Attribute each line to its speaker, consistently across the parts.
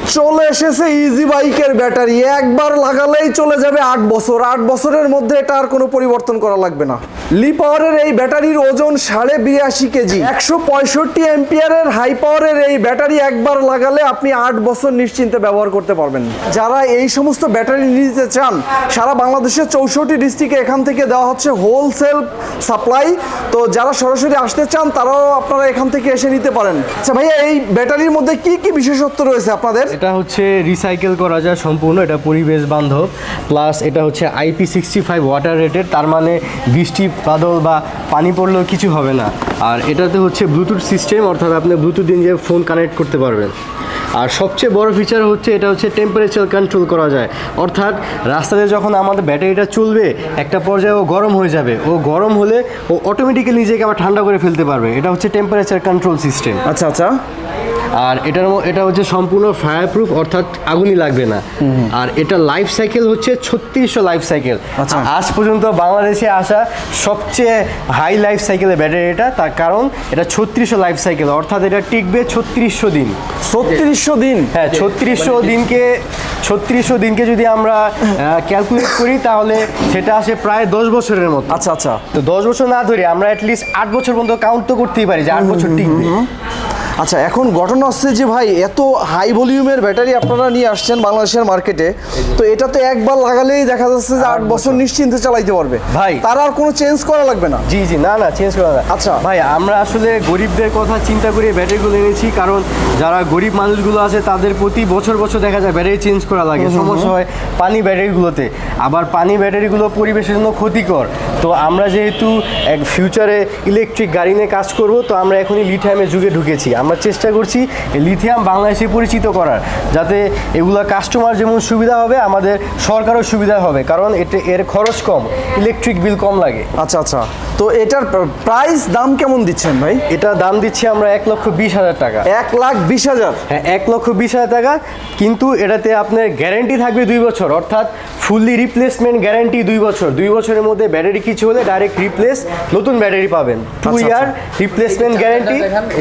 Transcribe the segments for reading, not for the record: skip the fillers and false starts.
Speaker 1: চলে এসেছে ইজি বাইকের ব্যাটারি, একবার লাগালেই চলে যাবে 8 বছর। 8 বছরের মধ্যে এটা আর কোনো পরিবর্তন করা লাগবে না। লি পাওয়ারের এই ব্যাটারির ওজন 82.5 কেজি, 165 অ্যাম্পিয়ারের হাই পাওয়ারের এই ব্যাটারি একবার লাগালে আপনি 8 বছর নিশ্চিন্তে ব্যবহার করতে পারবেন। যারা এই সমস্ত ব্যাটারি নিতে চান, সারা বাংলাদেশের 64 ডিস্ট্রিক্টে এখান থেকে দেওয়া হচ্ছে হোলসেল সাপ্লাই। তো যারা সরাসরি আসতে চান তারাও আপনারা এখান থেকে এসে নিতে পারেন। আচ্ছা ভাইয়া, এই ব্যাটারির মধ্যে কি কি বিশেষত্ব রয়েছে আপনাদের?
Speaker 2: এটা হচ্ছে রিসাইকেল করা যায় সম্পূর্ণ, এটা পরিবেশ বান্ধব, প্লাস এটা হচ্ছে IP65 ওয়াটার রেটেড, তার মানে বৃষ্টি বাদল বা পানি পড়লেও কিছু হবে না। আর এটাতে হচ্ছে ব্লুটুথ সিস্টেম, অর্থাৎ আপনি ব্লুটুথ দিয়ে ফোন কানেক্ট করতে পারবেন। আর সবচেয়ে বড় ফিচার হচ্ছে এটা হচ্ছে টেম্পারেচার কন্ট্রোল করা যায়, অর্থাৎ রাস্তাতে যখন আমাদের ব্যাটারিটা চলবে একটা পর্যায়ে ও গরম হয়ে যাবে, ও গরম হলে ও অটোমেটিক্যালি নিজেকে আবার ঠান্ডা করে ফেলতে পারবে। এটা হচ্ছে টেম্পারেচার কন্ট্রোল সিস্টেম।
Speaker 1: আচ্ছা আচ্ছা।
Speaker 2: আর এটা হচ্ছে সম্পূর্ণ ফায়ার প্রুফ, অর্থাৎ আগুনই লাগবে না। আর এটা লাইফ সাইকেল হচ্ছে 3600 লাইফ সাইকেল। আজ পর্যন্ত বাংলাদেশে আসা সবচেয়ে হাই লাইফ সাইকেলের ব্যাটারি এটা, তার কারণ এটা 3600 লাইফ সাইকেল, অর্থাৎ এটা টিকবে 3600 দিন।
Speaker 1: 3600 দিন?
Speaker 2: হ্যাঁ, 3600 দিনকে যদি আমরা ক্যালকুলেট করি তাহলে সেটা আসে প্রায় 10 বছরের মতো।
Speaker 1: আচ্ছা আচ্ছা।
Speaker 2: তো 10 বছর না ধরে আমরা অ্যাটলিস্ট 8 বছর পর্যন্ত কাউন্ট তো করতেই পারি যে 8 বছর টিকবে।
Speaker 1: আচ্ছা, এখন ঘটনা হচ্ছে যে ভাই, এত হাই ভলিউমের ব্যাটারি আপনারা নিয়ে আসছেন বাংলাদেশের মার্কেটে, তো এটা তো একবার লাগালেই দেখা যাচ্ছে যে 8 বছর নিশ্চিন্তে চালাইতে পারবে
Speaker 2: ভাই।
Speaker 1: তার আর কোনো চেঞ্জ করা লাগবে না?
Speaker 2: জি জি, না চেঞ্জ করা না।
Speaker 1: আচ্ছা
Speaker 2: ভাই, আমরা আসলে গরিবদের কথা চিন্তা করে ব্যাটারিগুলো এনেছি, কারণ যারা গরিব মানুষগুলো আছে তাদের প্রতি বছর বছর দেখা যায় ব্যাটারি চেঞ্জ করা লাগে, সমস্যা হয় পানি ব্যাটারিগুলোতে। আবার পানি ব্যাটারিগুলো পরিবেশের জন্য ক্ষতিকর। তো আমরা যেহেতু এক ফিউচারে ইলেকট্রিক গাড়ি নিয়ে কাজ করব, তো আমরা এখনই লিথিয়ামের যুগে ঢুকেছি। আমরা চেষ্টা করছি লিথিয়াম বাংলাদেশে পরিচিত করার, যাতে এগুলা কাস্টমার যেমন সুবিধা হবে, আমাদের সরকারও সুবিধা হবে, কারণ এর খরচ কম, ইলেকট্রিক বিল কম লাগে।
Speaker 1: আচ্ছা আচ্ছা। তো এটার প্রাইস দাম কেমন দিচ্ছেন ভাই?
Speaker 2: এটা দাম দিচ্ছি আমরা 1,20,000 টাকা।
Speaker 1: 1,20,000?
Speaker 2: হ্যাঁ, 1,20,000 টাকা। কিন্তু এটাতে আপনার গ্যারেন্টি থাকবে 2 বছর, অর্থাৎ ফুললি রিপ্লেসমেন্ট গ্যারেন্টি 2 বছর। 2 বছরের মধ্যে ব্যাটারি কিছু হলে ডাইরেক্ট রিপ্লেস, নতুন ব্যাটারি পাবেন। 2 ইয়ার রিপ্লেসমেন্ট গ্যারেন্টি।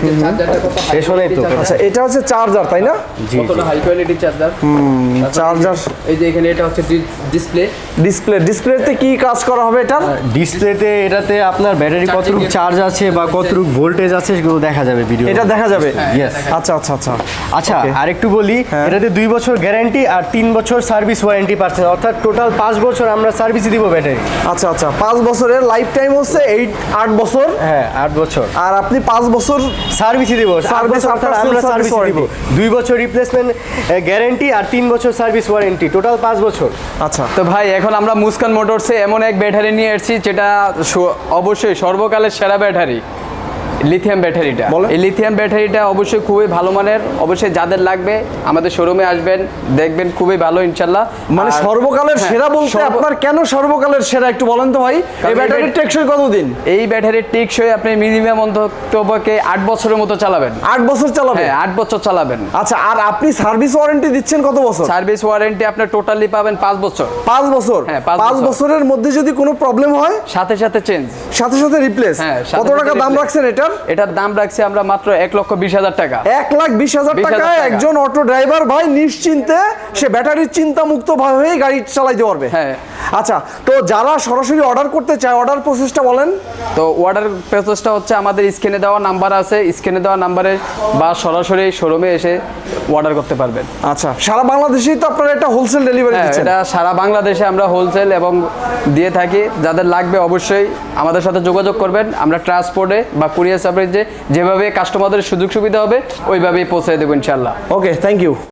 Speaker 1: আচ্ছা, এটা হচ্ছে চার্জার, তাই না?
Speaker 2: জি,
Speaker 3: কতটা হাই কোয়ালিটি চার্জার।
Speaker 1: চার্জার।
Speaker 3: এই যে এখানে এটা হচ্ছে ডিসপ্লেতে
Speaker 1: কি কাজ করা হবে এটা?
Speaker 2: ডিসপ্লেতে এটাতে আপনার ব্যাটারি কতটুকু চার্জ আছে বা কতটুকু ভোল্টেজ আছে সেগুলো দেখা যাবে ভিডিও।
Speaker 1: এটা দেখা যাবে?
Speaker 2: ইয়েস।
Speaker 1: আচ্ছা আচ্ছা আচ্ছা।
Speaker 2: আচ্ছা, আরেকটু বলি, এটাতে 2 বছর গ্যারান্টি আর 3 বছর সার্ভিস ওয়ারেন্টি পাচ্ছেন, অর্থাৎ টোটাল 5 বছর আমরা সার্ভিস দিব ব্যাটারি।
Speaker 1: আচ্ছা আচ্ছা, 5 বছরের লাইফ টাইম হচ্ছে 8 বছর।
Speaker 2: হ্যাঁ, 8 বছর।
Speaker 1: আর আপনি 5 বছর
Speaker 2: সার্ভিসই দিব।
Speaker 1: সার্ভিস
Speaker 2: অর্থাৎ আমরা সার্ভিস দিব। 2 বছর রিপ্লেসমেন্ট গ্যারান্টি আর 3 বছর সার্ভিস ওয়ারেন্টি, টোটাল 5 বছর।
Speaker 1: আচ্ছা।
Speaker 3: তো ভাই, এখন আমরা মুস্কান মোটরসে এমন এক ব্যাটারি নিয়ে এসেছি যেটা অবশ্যই সর্বকালের সেরা ব্যাটারি, লিথিয়াম ব্যাটারিটা। এই লিথিয়াম ব্যাটারিটা অবশ্যই খুবই ভালো মানের। অবশ্যই যাদের লাগবে আমাদের শোরুমে আসবেন, দেখবেন খুবই ভালো ইনশাল্লাহ।
Speaker 1: মানে সর্বকালের সেরা বলতে আপনার কেন সর্বকালের সেরা একটু বলেন তো ভাই? এই ব্যাটারির টেকসই কতদিন?
Speaker 3: এই ব্যাটারির টেকসই আপনি মিনিমাম অন্ততপক্ষে 8 বছরের মতো চালাবেন।
Speaker 1: 8 বছর চালাবেন?
Speaker 3: হ্যাঁ, 8 বছর চালাবেন।
Speaker 1: আচ্ছা, আর আপনি সার্ভিস ওয়ারেন্টি দিচ্ছেন কত বছর?
Speaker 3: সার্ভিস ওয়ারেন্টি আপনার টোটালি পাবেন 5 বছর।
Speaker 1: 5 বছর?
Speaker 3: হ্যাঁ,
Speaker 1: 5 বছরের মধ্যে যদি কোনো প্রবলেম হয়
Speaker 3: সাথে সাথে চেঞ্জ,
Speaker 1: সাথে সাথে রিপ্লেস।
Speaker 3: হ্যাঁ।
Speaker 1: কত টাকা দাম রাখছেন এটার?
Speaker 3: এটার দাম রাখছি আমরা মাত্র 1,20,000 টাকা।
Speaker 1: 1,20,000 টাকায় একজন অটো ড্রাইভার ভাই নিশ্চিন্তে সে ব্যাটারির চিন্তা মুক্ত ভাবেই গাড়ি চালাইতে পারবে।
Speaker 3: হ্যাঁ।
Speaker 1: আচ্ছা, তো যারা সরাসরি অর্ডার করতে চায়, অর্ডার প্রসেসটা বলেন
Speaker 3: তো। অর্ডার প্রসেসটা হচ্ছে আমাদের স্ক্রিনে দেওয়া নাম্বার আছে, স্ক্রিনে দেওয়া নাম্বারে বা সরাসরি শোরুমে এসে অর্ডার করতে পারবেন।
Speaker 1: আচ্ছা, সারা বাংলাদেশেই তো আপনারা একটা হোলসেল ডেলিভারি দিচ্ছেন?
Speaker 3: এটা সারা বাংলাদেশে আমরা হোলসেল এবং দিয়ে থাকি। যাদের লাগবে অবশ্যই আমাদের সাথে যোগাযোগ করবেন। আমরা ট্রান্সপোর্টে বা কুরিয়ার সার্ভিসে যেভাবে কাস্টমারদের সুযোগ সুবিধা হবে ওইভাবেই পৌঁছে দেবো ইনশাল্লাহ।
Speaker 1: Okay, thank you.